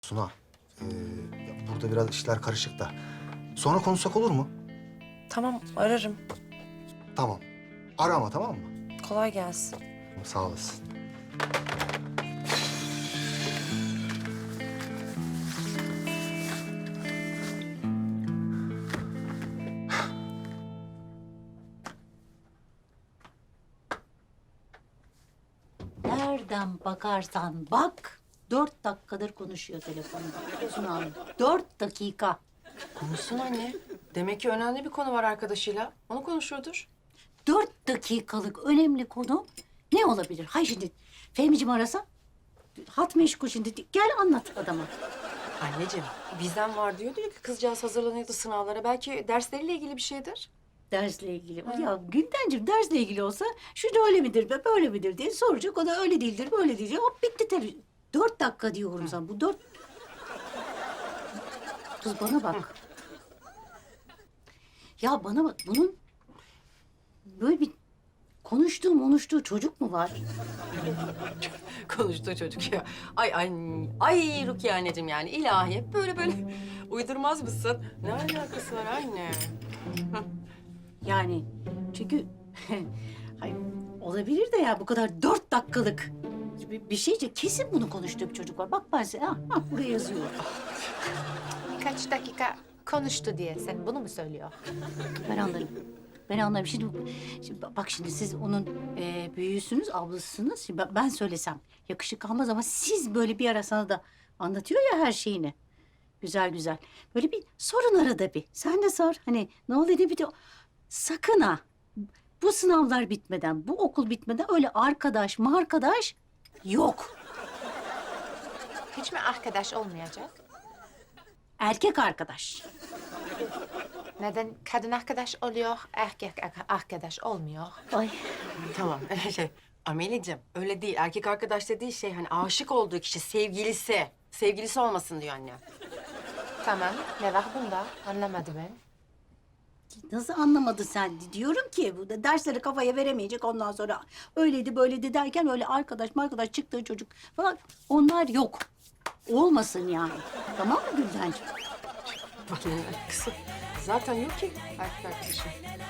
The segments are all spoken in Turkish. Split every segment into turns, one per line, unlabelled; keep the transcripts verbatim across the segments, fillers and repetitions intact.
Suna, ee, ya burada biraz işler karışık da. Sonra konuşsak olur mu?
Tamam, ararım.
Tamam. Ara ama, tamam mı?
Kolay gelsin.
Sağ olasın.
Nereden bakarsan bak, dört dakikadır konuşuyor telefonda. Suna Hanım, dört dakika.
Konuşsun anne. Demek ki önemli bir konu var arkadaşıyla. Onu konuşuyordur.
Dört dakikalık önemli konu ne olabilir? Hay şimdi Fehmi'cim arasa, hat meşgul şimdi. Gel anlat adama.
Anneciğim, bizden var diyordu ya ki kızcağız hazırlanıyordu sınavlara. Belki dersleriyle ilgili bir şeydir.
Dersle ilgili. Ya Güldencim dersle ilgili olsa şu da öyle midir be böyle midir diye soracak. O da öyle değildir böyle diyecek. Hop bitti tabii. Dört dakika diyorum sana. Bu dört... Kız bana bak. Ya bana bak bunun böyle bir konuştuğu konuştuğu çocuk mu var?
Konuştu çocuk ya. Ay ay ay Rukiye anneciğim yani ilahi hep böyle böyle uydurmaz mısın? Ne alakası var anne?
Yani çünkü hayır, olabilir de ya bu kadar dört dakikalık bir, bir şeyce kesin bunu konuştuğu bir çocuk var. Bak ben size ha, ha, buraya yazıyor.
Kaç dakika konuştu diye sen bunu mu söylüyor?
Ben anlarım. Ben anlarım. Şimdi, şimdi bak şimdi siz onun e, büyüğüsünüz, ablasısınız. Şimdi ben, ben söylesem yakışık almaz ama siz böyle bir ara sana da anlatıyor ya her şeyini. Güzel güzel. Böyle bir sorun arada bir. Sen de sor. Hani ne oluyor ne bitiyor. Sakın ha. Bu sınavlar bitmeden, bu okul bitmeden öyle arkadaş mı arkadaş yok.
Hiç mi arkadaş olmayacak?
Erkek arkadaş.
Neden kadın arkadaş oluyor, erkek ar- arkadaş olmuyor?
Ay.
Tamam şey Ameliciğim öyle değil. Erkek arkadaş dediği şey hani aşık olduğu kişi sevgilisi. Sevgilisi olmasın diyor anne.
Tamam, ne var bunda? Anlamadım ben.
Nasıl anlamadın sen? Diyorum ki bu da dersleri kafaya veremeyecek ondan sonra öyleydi böyleydi derken öyle arkadaş arkadaş çıktığı çocuk falan onlar yok. Olmasın yani. Tamam mı Güldencim?
Kızım zaten yok ki erkek arkadaşı.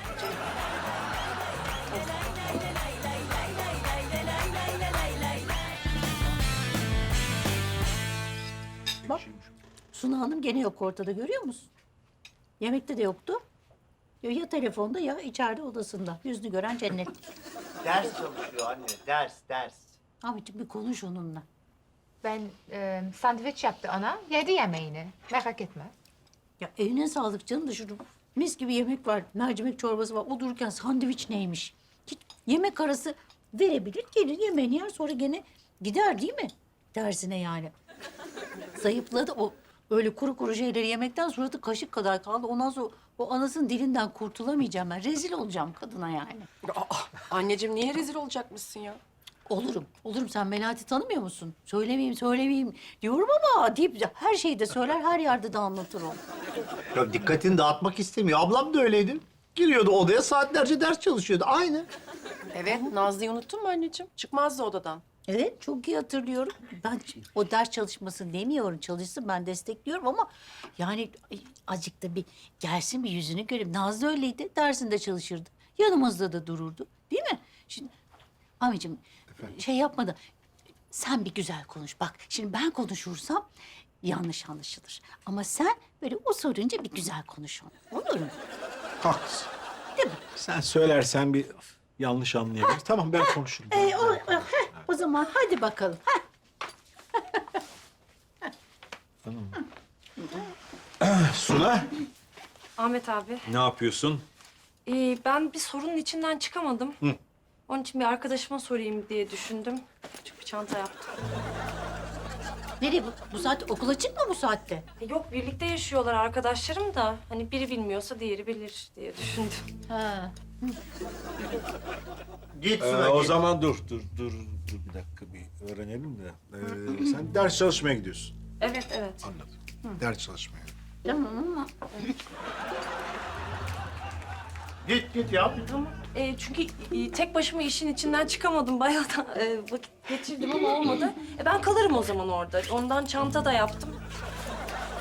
Bak Suna Hanım gene yok ortada görüyor musun? Yemekte de yoktu. Ya, ya telefonda ya içeride odasında. Yüzünü gören cennet.
Ders çalışıyor anne, ders, ders.
Abiciğim bir konuş onunla.
Ben e, sandviç yaptı ona, yedi yemeğini. Merak etme.
Ya eline sağlık canım da şurada mis gibi yemek var. Mercimek çorbası var. O dururken sandviç neymiş? Git yemek arası verebilir. Gelir yemeğini yer sonra gene gider değil mi? Dersine yani. Zayıfladı o öyle kuru kuru şeyleri yemekten suratı kaşık kadar kaldı. Ondan sonra o anasının dilinden kurtulamayacağım ben. Rezil olacağım kadına yani.
Aa, anneciğim niye rezil olacakmışsın ya?
Olurum. Olurum. Sen Melahat'i tanımıyor musun? Söylemeyeyim, söylemeyeyim diyorum ama deyip her şeyi de söyler, her yerde de anlatır o.
Ya dikkatini dağıtmak istemiyor. Ablam da öyleydi. Giriyordu odaya saatlerce ders çalışıyordu. Aynı.
Evet Nazlı'yı unuttun mu anneciğim? Çıkmazdı odadan.
Evet, çok iyi hatırlıyorum. Ben o ders çalışmasın demiyorum, çalışsın ben destekliyorum ama yani ay, azıcık da bir gelsin bir yüzünü göreyim. Nazlı öyleydi, dersinde çalışırdı. Yanımızda da dururdu, değil mi? Şimdi amicim şey yapma da sen bir güzel konuş. Bak şimdi ben konuşursam yanlış anlaşılır. Ama sen böyle o sorunca bir güzel konuş onu. Olur mu?
Haklısın.
Değil mi?
Sen söylersen bir yanlış anlayabilir. Tamam ben konuşurum.
Ee, o, o, heh, o zaman hadi bakalım. Heh.
Suna,
Ahmet abi,
ne yapıyorsun?
ee, ben bir sorunun içinden çıkamadım. Onun için bir arkadaşıma sorayım diye düşündüm. Küçük bir çanta yaptım.
Nereye bu? Bu saatte okula çıkma bu saatte.
E, Yok, birlikte yaşıyorlar arkadaşlarım da. Hani biri bilmiyorsa diğeri bilir diye düşündüm.
Ha.
Git
Ee,
Suna,
o
git.
zaman dur, dur, dur, dur bir dakika bir öğrenelim de. Ee, sen ders çalışmaya gidiyorsun.
Evet, evet.
Anladım. Ders çalışmaya.
Tamam ama
Git, git ya.
E, çünkü e, tek başıma işin içinden çıkamadım. Bayağı da e, vakit geçirdim ama olmadı. E, ben kalırım o zaman orada. Ondan çanta da yaptım.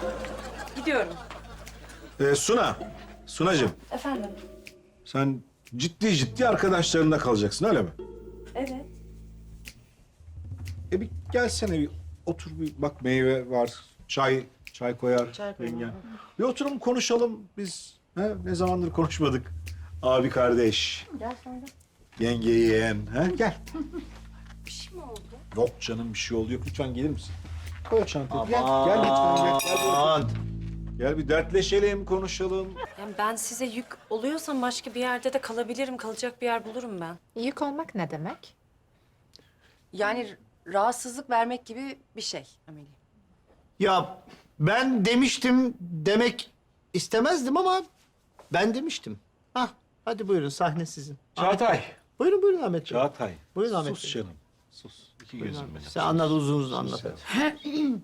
Gidiyorum.
Ee, Suna, Sunacığım
Efendim?
sen ciddi ciddi arkadaşlarında kalacaksın öyle mi?
Evet.
E bir gelsene bir otur bir bak meyve var, çay çay koyar
Çay koyar.
yengen. Bir oturalım konuşalım biz. Ha? Ne zamandır konuşmadık. Abi kardeş.
Gel sonra.
Yenge yeğen. Ha? Gel.
Bir şey mi oldu?
Yok canım bir şey oldu yok. Lütfen gelir misin? Koy o çantayı. Gel, gel lütfen. Gel, gel, bir otur.
Aman.
Gel bir dertleşelim, konuşalım.
Yani ben size yük oluyorsam başka bir yerde de kalabilirim. Kalacak bir yer bulurum ben.
Yük olmak ne demek?
Yani rahatsızlık vermek gibi bir şey Ameli.
Ya ben demiştim demek istemezdim ama ben demiştim. Hah, hadi buyurun sahne sizin.
Çağatay.
Buyurun buyurun Ahmet Bey.
Çağatay.
Buyurun Ahmet
Sus
Bey.
canım. Sus. İki
Buyurun
gözüm
Ahmet
benim.
Bey. Sen anlat uzun uzun anlat
Sen-
hadi.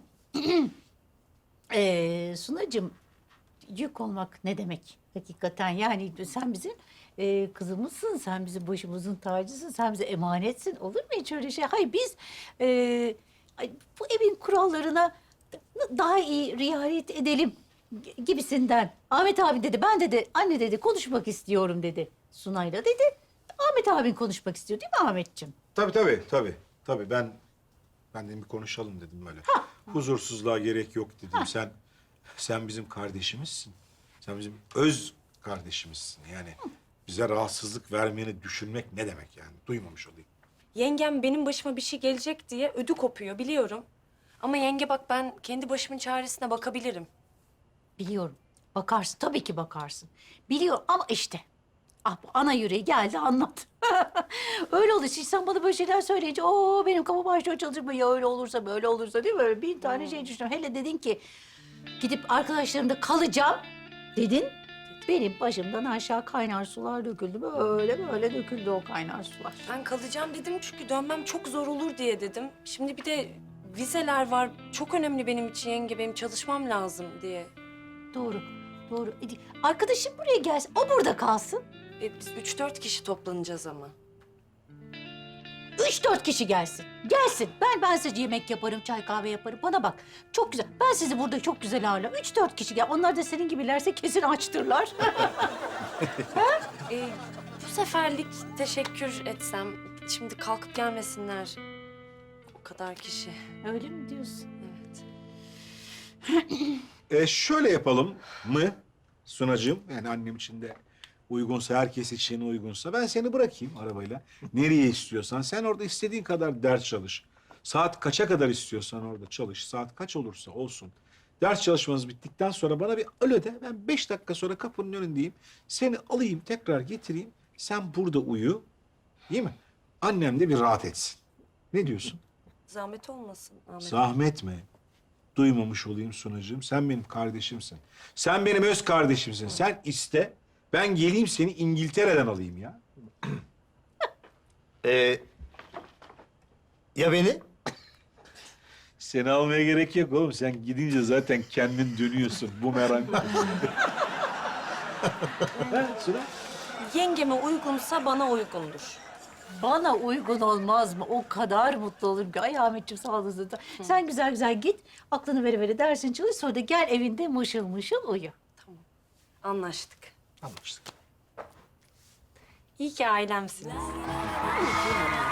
Ee, Sunacığım, yük olmak ne demek hakikaten? Yani sen bizim e, kızımızsın, sen bizim başımızın tacısın, sen bize emanetsin. Olur mu hiç öyle şey? Hayır biz e, ay, bu evin kurallarına da- daha iyi riayet edelim gi- gibisinden. Ahmet abi dedi, ben dedi, anne dedi konuşmak istiyorum dedi. Sunay'la dedi. Ahmet abin konuşmak istiyor değil mi Ahmetciğim?
Tabii tabii tabii. Tabii ben ben de bir konuşalım dedim böyle. Huzursuzluğa gerek yok dedim. Sen sen bizim kardeşimizsin. Sen bizim öz kardeşimizsin. Yani bize rahatsızlık vermeyeni düşünmek ne demek yani? Duymamış olayım.
Yengem benim başıma bir şey gelecek diye ödü kopuyor biliyorum. Ama yenge bak ben kendi başımın çaresine bakabilirim.
Biliyorum. Bakarsın. Tabii ki bakarsın. Biliyorum ama işte. Ah bu ana yüreği geldi anlat. Öyle olur. Şimdi sen bana böyle şeyler söyleyince o benim kafam başlıyor çalışma. Ya öyle olursa böyle olursa değil mi? Böyle bin tane şey düşünüyorum. Hele dedin ki gidip arkadaşlarımda kalacağım dedin. Benim başımdan aşağı kaynar sular döküldü. Böyle böyle döküldü o kaynar sular.
Ben kalacağım dedim çünkü dönmem çok zor olur diye dedim. Şimdi bir de vizeler var. Çok önemli benim için yenge. Benim çalışmam lazım diye.
Doğru. Doğru. E, Arkadaşım buraya gelsin. O burada kalsın.
E, biz üç dört kişi toplanacağız ama.
Üç dört kişi gelsin. Gelsin. Ben ben size yemek yaparım, çay kahve yaparım. Bana bak. Çok güzel. Ben sizi burada çok güzel ağırlarım. Üç dört kişi gel. Onlar da senin gibilerse kesin açtırlar.
E, bu seferlik teşekkür etsem. Şimdi kalkıp gelmesinler. O kadar kişi.
Öyle mi diyorsun?
Evet.
E şöyle yapalım mı Sunacığım? Yani annem için de uygunsa, herkes için uygunsa ben seni bırakayım arabayla. Nereye istiyorsan sen orada istediğin kadar ders çalış. Saat kaça kadar istiyorsan orada çalış. Saat kaç olursa olsun. Ders çalışmanız bittikten sonra bana bir alo de. Ben beş dakika sonra kapının önündeyim. Seni alayım, tekrar getireyim. Sen burada uyu. Değil mi? Annem de bir rahat etsin. Ne diyorsun?
Zahmet olmasın Ahmet.
Zahmet mi? Duymamış olayım Sunacığım. Sen benim kardeşimsin. Sen benim öz kardeşimsin. Sen iste. Ben geleyim seni İngiltere'den alayım ya.
Ee, ya beni?
Seni almaya gerek yok oğlum. Sen gidince zaten kendin dönüyorsun. Bu merak. Ha, Suna?
Yengeme uygunsa bana uygundur.
Bana uygun olmaz mı? O kadar mutlu olurum ki. Ay Ahmetciğim sağ olasın. Sen güzel güzel git. Aklını vere vere dersin çalış. Sonra da gel evinde mışıl mışıl uyu.
Anlaştık.
Anlaştık.
İyi ki ailemsiniz.